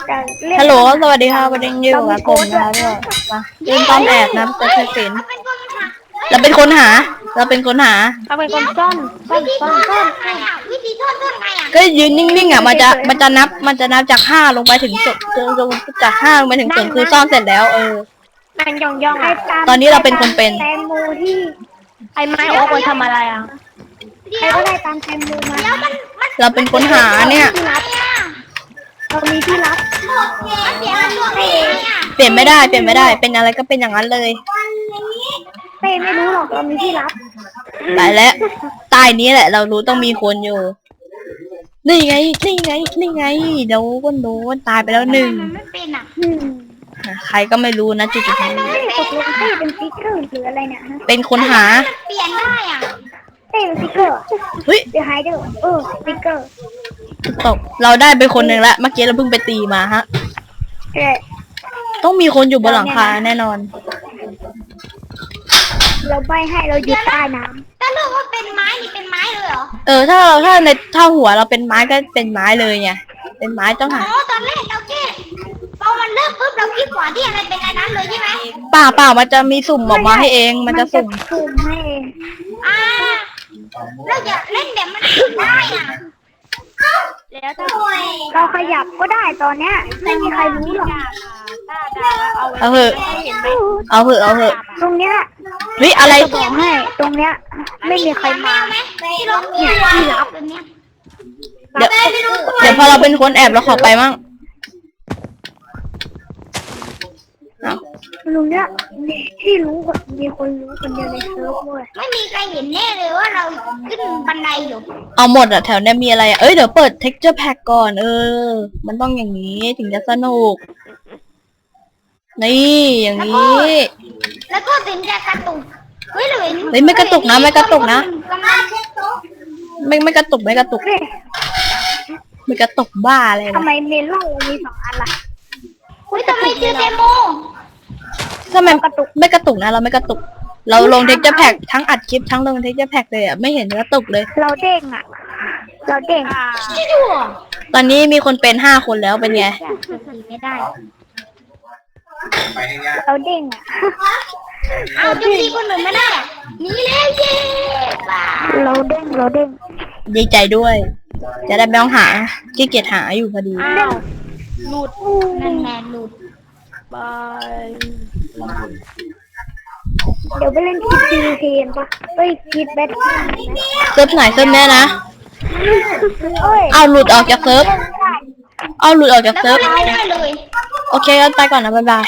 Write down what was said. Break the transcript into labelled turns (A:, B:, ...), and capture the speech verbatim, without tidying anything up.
A: ฮัลโหลสวัสดีค่ะวันนี้อยู่กับผมนะคะก็มาเล่นต้อมแอบนะจะเคยเป็นเราเป็นคนหาเราเป็นคนหา
B: เราเป็นคนซ่อนซ่อนซ่อนซ่อน
C: วิธีซ่อนซ่อนไงอ่ะ
A: ก็ยืนนิ่งๆอ่ะมันจะมันจะนับมันจะนับจากห้าลงไปถึงศูนย์ลงจากห้าลงไปถึงศูนย์คือซ่อนเสร็จแล้วเออ
B: นั่งย่องย่องๆอ่ะ
A: ตอนนี้เราเป็นคนเป็น
D: แตงโมที่
B: ไอ้ไม้โอ๊กมันทำอะไรอ่ะ
D: ใครก็ได้ตามแตงโมมา
C: แล้วมันมัน
A: เราเป็นคนหาเนี่ย
C: อะไรอ่ะ
D: เรามีที่รับ
C: มันเสียมันตัวเองอ่ะ
A: เปลี่ยนไม่ได้เปลี่ยนไม่ได้เป็นอะไรก็เป็นอย่างนั้นเลย
D: เป้ไม่รู้หรอกเรามีที่รับ
A: ไปแล้วใต้นี้แหละ เรารู้ต้องมีคนอยู่นี่ไงนี่ไงนี่ไงโดนโดนตายไปแล้วหนึ่ง
C: มันไม่เป็นอ่ะ
D: อืม
A: ใครก็ไม่รู้นะจุดๆนี้
D: เป้ตกลงเป้เป็นสติ๊กเกอร์หรืออะไรเนี่ยฮะ
A: เป็นคนหา
C: เปลี่ยนได้อ่ะ
D: เป้เป็นสติ๊กเกอร์
A: เฮ้ย
D: เดี๋ยวไฮเดอร์เออสติ๊กเกอร์
A: ตกเราได้ไปคนหนึ่งละเมื่อกี้เราเพิ่งไปตีมาฮะ
D: เอ๊ะ
A: ต้องมีคนอยู่บนหลังคาแน่นอน
D: เราใบให้เราอยู่ใต้น้
C: ถ้าเลือกว่าเป็นไม้นี่เป็นไม้เลยเหรอ
A: เออถ้าเราถ้าในถ้าหัวเราเป็นไม้ก็เป็นไม้เลยไงเป็นไม้ต้อง
C: อ๋
A: หา
C: อตอนแรกเราแค่พอมันเริ่มปุ๊บเราคิดก่อนที่อะไรเป็นอันนั้นเลยใช่ไหม
A: เปล่าเปล่ามันจะมีสุ่ม
D: ำ
A: ออกมาให้เองมันจะสุ่ม
D: สุ่มให้เอง
C: อ่าเราอย่าเล่นแบบมันผิดได้อ่ะ
B: แล้วถ้า
D: เราขยับก็ได้ตอนเนี้ยไม่มีใครรู้หรอก
B: ถ้าดาเอาไว้
A: เอาเหอะ
B: เห็นไหม
A: เอาเหอะเอาเหอะ
D: ตรงเนี้ย
A: เฮ้ยอะไร
D: จะบอกให้ตรงเนี้ย ไม่มีใครมา
C: ไหมที่เรากลัวที่รับแบบเนี้ย
A: เดี๋ยวเดี๋ยวพอเราเป็นคนแอบเราขอไปมั่งเอา
D: ตรงเนี้ยมีที่รู้กันมีคนรู้คนเดียวในเซิร์ฟเว้ย
C: ไม่มีใครเห็นแน่เลยว่าเราขึ้นบันไดอยู่
A: เอาหมดอะแถวเนี้ยมีอะไรอะเอ้ยเดี๋ยวเปิด texture pack ก่อนเออ มันต้องอย่างนี้ถึงจะสนุกนี่อย่างนี้
C: แล้วก็ถึงจะกระตุกเฮ้ยหรือ
A: เฮ้ยไม่กระตุกนะไม่กระตุกนะ
C: กำลังเช็ดโต๊ะ
A: ไม่ไม่กระตุกไม่กระตุก
D: เฮ้ย
A: ไม่กระตุกบ้าอะไร
D: ทำ
A: นะ
D: ไมเมลอนเรามีสองอันล่ะ
C: เฮ้ยทำไมเจอเดโม
A: ทำไมกระตุกไม่กระตุกนะเราไม่กระตุก เราลง texture pack ทั้งอัดคลิปทั้งลง texture pack เลยอะไม่เห็นกระตุกเลย
D: เราเด้งอ่ะ เราเด้ง
B: อ่า
C: ที่ดูอ่ะ
A: ตอนนี้มีคนเป็นห้าคนแล้วเป็นไง
C: ไม่ได้
D: เราเด้งอ่ะ
C: เอาจุดดีคนอื่นไม่ได้อ่ะหนี่แล้วเย้บ้า
D: เราเด้งเราเด้ง
A: ดีใจด้วย จะได้ไม่ต้องหาขี้เกียจหาอยู่พอดี
B: อ้าวหลุด
C: นั่นแน่หลุด
B: บาย
D: เดี๋ยวไปเล่นคิดซีเทียนปะเอ้ยคิดแบท
A: เซิร์ฟไหนเซิร์ฟแน่นะ
D: เอ้ย
A: เอาหลุดออกจากเซิร์ฟ
D: เล่นไม่ได้
A: เอาหลุดออกจาก
C: แล้ว
A: เซิร์ฟ
C: ก็เล่นไม่ได้เลย
A: โอเคกันไปก่อนนะบ๊ายบาย